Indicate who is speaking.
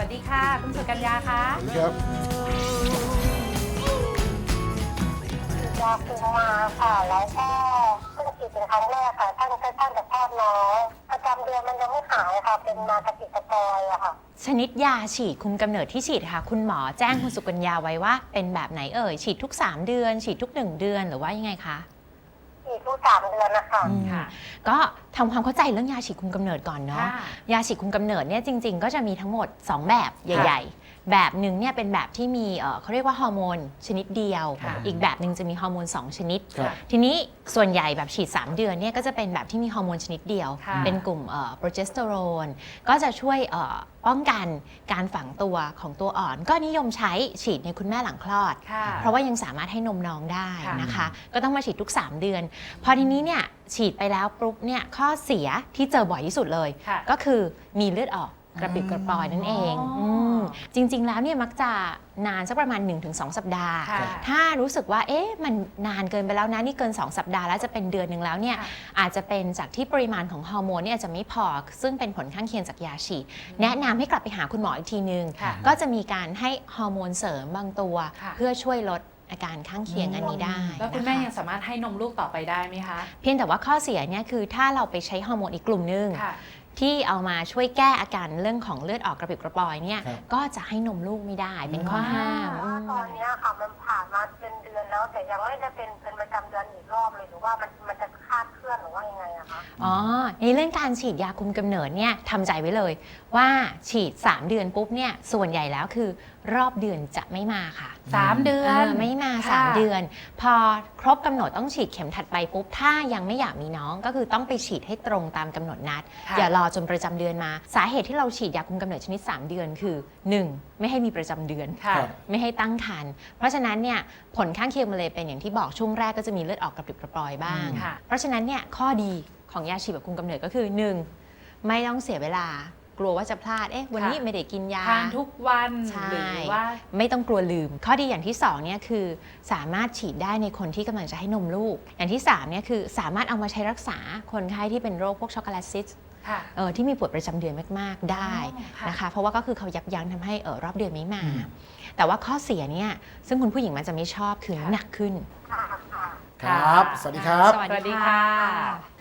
Speaker 1: วัสดีค่ะคุณสุกัญญาคะ
Speaker 2: สวัสดีครับ
Speaker 3: ยาคุมมาค่ะแล้วก็เพิ่งฉีดเป็นครั้งแรกค่ะท่านจะคลอดน้องประจำเดือนมันยังไม่หายค่ะเป็นมากระปิดกระปอยอะค่ะ
Speaker 4: ชนิดยาฉีดคุมกำเนิดที่ฉีดค่ะคุณหมอแจ้งคุณสุกัญญาไว้ว่าเป็นแบบไหนเอ่ยฉีดทุก3 เดือนฉีดทุก1 เดือนหรือว่ายังไงคะ
Speaker 3: ฉีดทุก3 เดือนนะคะ
Speaker 1: ค่ะ
Speaker 4: ก็ทำความเข้าใจเรื่องยาฉีดคุมกำเนิดก่อนเนาะ
Speaker 1: ค่ะ
Speaker 4: ยาฉีดคุมกำเนิดเนี่ยจริงๆก็จะมีทั้งหมด2 แบบใหญ่ๆแบบหนึ่งเนี่ยเป็นแบบที่มีเขาเรียกว่าฮอร์โมนชนิดเดียว
Speaker 1: ค่ะ
Speaker 4: อีกแบบหนึ่งจะมีฮอร์โมน2 ชนิด
Speaker 2: ครับ
Speaker 4: ทีนี้ส่วนใหญ่แบบฉีด3 เดือนเนี่ยก็จะเป็นแบบที่มีฮอร์โมนชนิดเดียว
Speaker 1: ค่ะ
Speaker 4: เป็นกลุ่มโปรเจสเตอโรนก็จะช่วยป้องกันการฝังตัวของตัวอ่อน ก็นิยมใช้ฉีดในคุณแม่หลังคลอด
Speaker 1: ค่ะ
Speaker 4: เพราะว่ายังสามารถให้นมน้องได้
Speaker 1: ค่ะ
Speaker 4: นะคะ ก็ต้องมาฉีดทุก 3 เดือน พอทีนี้เนี่ยฉีดไปแล้วปุ๊บเนี่ยข้อเสียที่เจอบ่อยที่สุดเลย
Speaker 1: ค่ะ
Speaker 4: ก็คือมีเลือดออกกระปิดกระปอยนั่นเอง
Speaker 1: อ๋ออื
Speaker 4: มจริง ๆ แล้วเนี่ยมักจะนานสักประมาณ 1-2 สัปดาห์
Speaker 1: ค่ะ
Speaker 4: ถ้ารู้สึกว่าเอ๊ะมันนานเกินไปแล้วนะนี่เกิน 2 สัปดาห์แล้วจะเป็นเดือนหนึ่งแล้วเนี่ย
Speaker 1: ค่ะ
Speaker 4: อาจจะเป็นจากที่ปริมาณของฮอร์โมนเนี่ยอาจจะไม่พอซึ่งเป็นผลข้างเคียงจากยาฉีดแนะนำให้กลับไปหาคุณหมออีกทีนึง
Speaker 1: ค่ะ
Speaker 4: ก็จะมีการให้ฮอร์โมนเสริมบางตัว
Speaker 1: ค่ะ
Speaker 4: เพื่อช่วยลดอาการข้างเคียงอันนี้ได้
Speaker 1: แล้วคุณแม่
Speaker 4: นะะ
Speaker 1: ยังสามารถให้นมลูกต่อไปได้ไหมคะ
Speaker 4: เพียงแต่ว่าข้อเสียเนี่ยคือถ้าเราไปใช้ฮอร์โมนอีกกลุ่มนึง
Speaker 1: ค่ะ
Speaker 4: ที่เอามาช่วยแก้อาการเรื่องของเลือดออกกระปิดกระปอยเนี่ย
Speaker 2: ครับ
Speaker 4: ก็จะให้นมลูกไม่ได้เป็นข้อห้าม
Speaker 3: เพราะว่าตอนเนี้ยค่ะมันผ่านมาเป็นเดือนแล้วแต่ยังไม่ได้เป็นประจำเดือนอีกรอบเลยหรือว่ามันจะคลาดเคลื่อนหรือว่ายังไงอะคะ
Speaker 4: อ๋อในเรื่องการฉีดยาคุมกำเนิดเนี่ยทำใจไว้เลยว่าฉีด 3 เดือนปุ๊บเนี่ยส่วนใหญ่แล้วคือรอบเดือนจะไม่มาค่ะ
Speaker 1: 3 เดือน
Speaker 4: ไม่มา
Speaker 1: ค่ะ
Speaker 4: 3 เดือน พอครบกำหนดต้องฉีดเข็มถัดไปปุ๊บถ้ายังไม่อยากมีน้องก็คือต้องไปฉีดให้ตรงตามกำหนดนัด
Speaker 1: ค่ะ
Speaker 4: อย่ารอจนประจำเดือนมา สาเหตุที่เราฉีดยาคุมกำเนิดชนิด 3 เดือนคือ 1. ไม่ให้มีประจำเดือน
Speaker 1: ค่ะ
Speaker 2: ครับ
Speaker 4: ไม่ให้ตั้งครรภ์เพราะฉะนั้นเนี่ยผลข้างเคียงมันเลยเป็นอย่างที่บอกช่วงแรกก็จะมีเลือดออกกระปิดกระปอยบ้าง
Speaker 1: ค่ะ
Speaker 4: เพราะฉะนั้นเนี่ยข้อดีของยาฉีดแบบคุมกำเนิดก็คือ 1. ไม่ต้องเสียเวลากลัวว่าจะพลาดวันนี้
Speaker 1: ค่ะ
Speaker 4: ไม่ได้กินยา
Speaker 1: ทานทุกวัน
Speaker 4: ใช่
Speaker 1: หรือว่า
Speaker 4: ไม่ต้องกลัวลืม ข้อดีอย่างที่2เนี่ยคือสามารถฉีดได้ในคนที่กำลังจะให้นมลูก อย่างที่3เนี่ยคือสามารถเอามาใช้รักษาคนไข้ที่เป็นโรคพวกช็อกโกแลตซิสต์
Speaker 1: ค่ะ
Speaker 4: ที่มีปวดประจำเดือนมากๆได้
Speaker 1: อ๋อค่ะ
Speaker 4: นะคะเพราะว่าก็คือเขายับยั้งทำให้รอบเดือนไม่มา แต่ว่าข้อเสียเนี่ยซึ่งคุณผู้หญิงมันจะไม่ชอบคือน้ำหนักขึ้น
Speaker 3: ค่ะ
Speaker 2: ครับ สวัสดีครับ
Speaker 4: สวัส
Speaker 1: สวัส
Speaker 4: ดี
Speaker 1: ดี
Speaker 4: ค่ะ
Speaker 1: ค่ะ